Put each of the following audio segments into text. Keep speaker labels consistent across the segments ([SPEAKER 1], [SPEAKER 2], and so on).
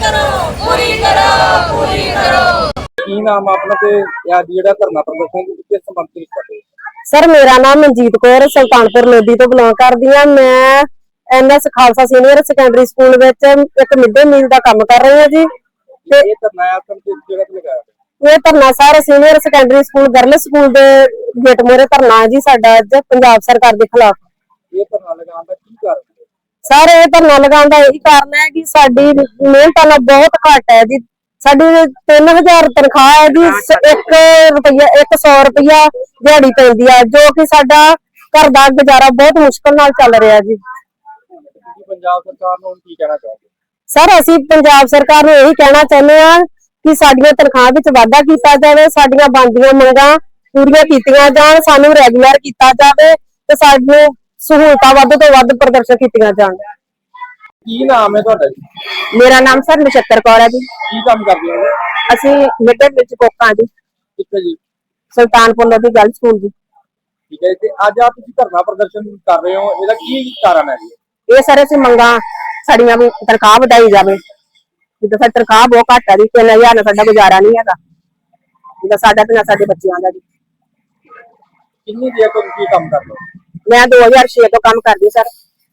[SPEAKER 1] पूरी करो पूरी करो।
[SPEAKER 2] ਕੀ ਨਾਮ ਆ ਆਪਣਾ ਤੇ ਅੱਜ ਜਿਹੜਾ ਧਰਨਾ ਪ੍ਰਦਰਸ਼ਨ ਤੁਸੀਂ ਕਿਸ ਸੰਬੰਧ ਵਿੱਚ ਕਰ ਰਹੇ ਹੋ?
[SPEAKER 3] ਸਰ ਮੇਰਾ ਨਾਮ ਮਨਜੀਤ ਕੌਰ ਸੁਲਤਾਨਪੁਰ ਲੋਧੀ ਤੋਂ ਬਿਲੋਂਗ ਕਰਦੀ ਹਾਂ। ਮੈਂ NS Khalsa senior secondary school ਵਿੱਚ ਇੱਕ ਮਿਡ ਡੇ ਮੀਲ ਦਾ ਕੰਮ ਕਰ ਰਹੀ ਹਾਂ ਜੀ। ਤੇ
[SPEAKER 2] ਇਹ ਧਰਨਾ ਆਪ ਕਿਸ ਜਗ੍ਹਾ ਤੇ ਲਗਾਇਆ ਹੈ?
[SPEAKER 3] ਇਹ ਧਰਨਾ sir senior secondary school girl school ਦੇ ਗੇਟ ਮੂਹਰੇ ਧਰਨਾ ਹੈ ਜੀ ਸਾਡਾ ਅੱਜ ਪੰਜਾਬ ਸਰਕਾਰ ਦੇ ਖਿਲਾਫ।
[SPEAKER 2] ਇਹ ਧਰਨਾ ਲਗਾਉਣ ਦਾ ਕੀ ਕਾਰਨ ਹੈ?
[SPEAKER 3] ਸਰ ਇਹ ਧਰਨਾ ਲਗਾਉਣ ਦਾ ਇਹੀ ਕਾਰਨ ਹੈ ਕਿ ਸਾਡੀ ਮਿਹਨਤ ਨਾਲ ਬਹੁਤ ਘੱਟ ਹੈ ਜੀ। ਸਾਡੀ 3000 ਤਨਖਾਹ ਹੈ ਜੀ, 100 ਰੁਪਇਆ ਦਿਹਾੜੀ ਪੈਂਦੀ ਆ, ਜੋ ਕਿ ਸਾਡਾ ਘਰ ਦਾ ਗੁਜ਼ਾਰਾ ਬਹੁਤ ਮੁਸ਼ਕਲ ਨਾਲ ਚੱਲ ਰਿਹਾ ਜੀ।
[SPEAKER 2] ਤੁਸੀਂ ਪੰਜਾਬ ਸਰਕਾਰ ਨੂੰ ਕੀ ਕਹਿਣਾ ਚਾਹੋਗੇ?
[SPEAKER 3] ਸਰ ਅਸੀਂ ਪੰਜਾਬ ਸਰਕਾਰ ਨੂੰ ਇਹੀ ਕਹਿਣਾ ਚਾਹੁੰਦੇ ਹਾਂ ਕਿ ਸਾਡੀਆਂ ਤਨਖਾਹ ਵਿੱਚ ਵਾਧਾ ਕੀਤਾ ਜਾਵੇ, ਸਾਡੀਆਂ ਬਣਦੀਆਂ ਮੰਗਾਂ ਪੂਰੀਆਂ ਕੀਤੀਆਂ ਜਾਣ, ਸਾਨੂੰ ਰੈਗੂਲਰ ਕੀਤਾ ਜਾਵੇ ਤੇ ਸਾਨੂੰ ਸਹੂਲਤਾਂ ਵੱਧ ਤੋਂ ਵੱਧ ਪ੍ਰਦਰਸ਼ਨ ਕੀਤੀਆਂ ਜਾਣ।
[SPEAKER 2] ਕੀ ਨਾਮ ਹੈ ਤੁਹਾਡਾ ਜੀ?
[SPEAKER 3] ਮੇਰਾ ਨਾਮ ਸਰ ਨਛੱਤਰ ਕੌਰ ਹੈ ਜੀ।
[SPEAKER 2] ਕੀ ਕੰਮ ਕਰਦੇ ਹੋ?
[SPEAKER 3] ਅਸੀਂ ਮਿਡ ਡੇ ਵਿੱਚ ਕੋਕਾਂ ਜੀ,
[SPEAKER 2] ਕਿੱਥੇ ਜੀ?
[SPEAKER 3] ਸੁਲਤਾਨਪੁਰ ਲੋਧੀ ਗਰਲ ਸਕੂਲ ਜੀ।
[SPEAKER 2] ਠੀਕ ਹੈ ਤੇ ਅੱਜ ਆ ਤੁਸੀਂ ਧਰਨਾ ਪ੍ਰਦਰਸ਼ਨ ਕਰ ਰਹੇ ਹੋ, ਇਹਦਾ ਕੀ ਕਾਰਨ ਹੈ ਜੀ?
[SPEAKER 3] ਇਹ ਸਾਰੇ ਅਸੀਂ ਮੰਗਾਂ ਸਾਡੀਆਂ ਵੀ ਤਨਖਾਹ ਵਧਾਈ ਜਾਵੇ। ਜਿੱਦਾਂ ਸਾਡੀ ਤਨਖਾਹ ਬਹੁਤ ਘੱਟ ਹੈ ਜੀ, 3000 ਨਾਲ ਸਾਡਾ ਗੁਜ਼ਾਰਾ ਨਹੀਂ ਹੈਗਾ, ਜਿੱਦਾਂ ਸਾਡਾ ਤੇ ਸਾਡੇ ਬੱਚਿਆਂ ਦਾ ਜੀ।
[SPEAKER 2] ਕਿੰਨੀ ਦੇਰ ਤੋਂ ਤੁਸੀਂ ਕੰਮ ਕਰ ਰਹੇ ਹੋ?
[SPEAKER 3] ਮੈਂ 2006 ਤੋਂ ਕੰਮ ਕਰਦੀ ਸਰ।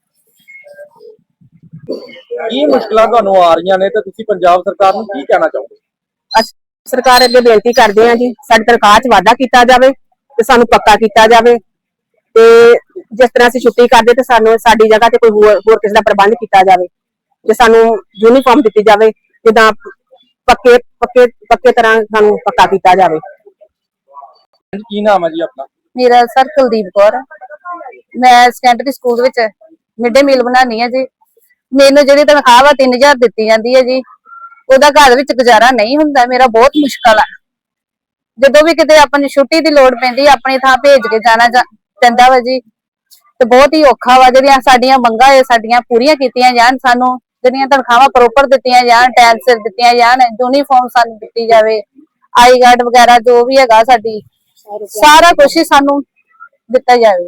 [SPEAKER 2] ਕੀ ਮੁਸ਼ਕਲਾਂ ਤੁਹਾਨੂੰ ਆ ਰਹੀਆਂ ਨੇ ਤੇ ਤੁਸੀਂ ਪੰਜਾਬ ਸਰਕਾਰ ਨੂੰ ਕੀ ਕਹਿਣਾ ਚਾਹੋਗੇ?
[SPEAKER 3] ਅਸੀਂ ਸਰਕਾਰ ਅੱਗੇ ਬੇਨਤੀ ਕਰਦੇ ਹਾਂ ਜੀ, ਸਾਡੀ ਤਨਖਾਹ 'ਚ ਵਾਧਾ ਕੀਤਾ ਜਾਵੇ ਤੇ ਸਾਨੂੰ ਪੱਕਾ ਕੀਤਾ ਜਾਵੇ। ਤੇ ਜਿਸ ਤਰ੍ਹਾਂ ਅਸੀਂ ਛੁੱਟੀ ਕਰਦੇ ਤੇ ਸਾਨੂੰ ਸਾਡੀ ਜਗ੍ਹਾ ਤੇ ਕੋਈ ਹੋਰ ਕਿਸੇ ਦਾ ਪ੍ਰਬੰਧ ਕੀਤਾ ਜਾਵੇ, ਤੇ ਸਾਨੂੰ ਯੂਨੀਫਾਰਮ ਦਿੱਤੀ ਜਾਵੇ, ਜਿੱਦਾਂ ਪੱਕੇ ਤਰ੍ਹਾਂ ਸਾਨੂੰ ਪੱਕਾ ਕੀਤਾ ਜਾਵੇ।
[SPEAKER 2] ਕੀ ਨਾਮ ਹੈ ਜੀ ਆਪਣਾ?
[SPEAKER 4] ਮੇਰਾ ਸਰ ਕੁਲਦੀਪ ਕੌਰ, ਮੈਂ ਸੈਕੰਡਰੀ ਸਕੂਲ ਵਿੱਚ ਮਿਡ ਡੇ ਮੀਲ ਬਣਾਉਣੀ ਹੈ ਜੀ। ਮੈਨੂੰ ਜਿਹੜੀ ਤਨਖਾਹ ਵਾ 3000 ਦਿੱਤੀ ਜਾਂਦੀ ਹੈ ਜੀ, ਉਹਦਾ ਘਰ ਵਿੱਚ ਗੁਜ਼ਾਰਾ ਨਹੀਂ ਹੁੰਦਾ, ਮੇਰਾ ਬਹੁਤ ਮੁਸ਼ਕਲ ਆ। ਜਦੋਂ ਵੀ ਕਿਤੇ ਆਪਣੀ ਛੁੱਟੀ ਦੀ ਲੋੜ ਪੈਂਦੀ ਆਪਣੀ ਥਾਂ ਭੇਜ ਕੇ ਜਾਣਾ ਪੈਂਦਾ ਵਾ ਜੀ, ਤੇ ਬਹੁਤ ਹੀ ਔਖਾ ਵਾ। ਜਿਹੜੀਆਂ ਸਾਡੀਆਂ ਮੰਗਾਂ ਇਹ ਸਾਡੀਆਂ ਪੂਰੀਆਂ ਕੀਤੀਆਂ ਜਾਣ, ਸਾਨੂੰ ਜਿਹੜੀਆਂ ਤਨਖਾਹਾਂ ਪ੍ਰੋਪਰ ਦਿੱਤੀਆਂ ਜਾਣ, ਟਾਈਮ ਸਿਰ ਦਿੱਤੀਆਂ ਜਾਣ, ਯੂਨੀਫਾਰਮ ਸਾਨੂੰ ਦਿੱਤੀ ਜਾਵੇ, ਆਈ ਕਾਰਡ ਵਗੈਰਾ ਜੋ ਵੀ ਹੈਗਾ ਸਾਡੀ ਸਾਰਾ ਕੁਝ ਹੀ ਸਾਨੂੰ ਦਿੱਤਾ ਜਾਵੇ।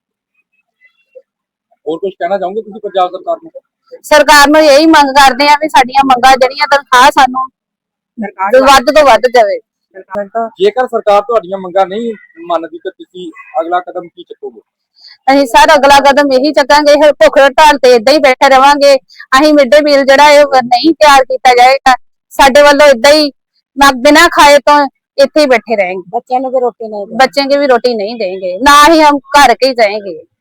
[SPEAKER 2] ਹੋਰ ਕੁਝ ਕਹਿਣਾ ਚਾਹੋਗੇ ਤੁਸੀਂ ਪੰਜਾਬ ਸਰਕਾਰ ਨੂੰ?
[SPEAKER 4] ਸਰਕਾਰ ਨੂੰ ਇਹੀ ਮੰਗ ਕਰਦੇ ਆ ਵੀ ਸਾਡੀਆਂ ਮੰਗਾਂ ਜਿਹੜੀਆਂ ਤਨਖਾਹ ਸਾਨੂੰ ਵੱਧ ਤੋਂ ਵੱਧ ਜਾਵੇ।
[SPEAKER 2] ਜੇਕਰ ਸਰਕਾਰ ਤੁਹਾਡੀਆਂ ਮੰਗਾਂ ਨਹੀਂ ਮੰਨਦੀ ਤਾਂ ਤੁਸੀਂ ਅਗਲਾ ਕਦਮ ਕੀ ਚੁੱਕੋਗੇ?
[SPEAKER 4] ਅਸੀਂ ਸਰ ਅਗਲਾ ਕਦਮ ਇਹੀ ਚੱਕਾਂਗੇ, ਭੁੱਖ ਹੜਤਾਲ ਤੇ ਏਦਾਂ ਹੀ ਬੈਠੇ ਰਵਾਂਗੇ। ਅਸੀਂ ਮਿਡ ਡੇ ਮੀਲ ਜਿਹੜਾ ਇਹ ਨਹੀਂ ਤਿਆਰ ਕੀਤਾ ਜਾਏਗਾ, ਸਾਡੇ ਵੱਲੋਂ ਏਦਾਂ ਹੀ ਬਿਨਾਂ ਖਾਏ ਤੋਂ ਇੱਥੇ ਹੀ बैठे रहेंगे।
[SPEAKER 3] बच्चों को भी रोटी नहीं
[SPEAKER 4] बच्चे की भी रोटी नहीं देंगे, ना ही हम घर के ही जाएंगे।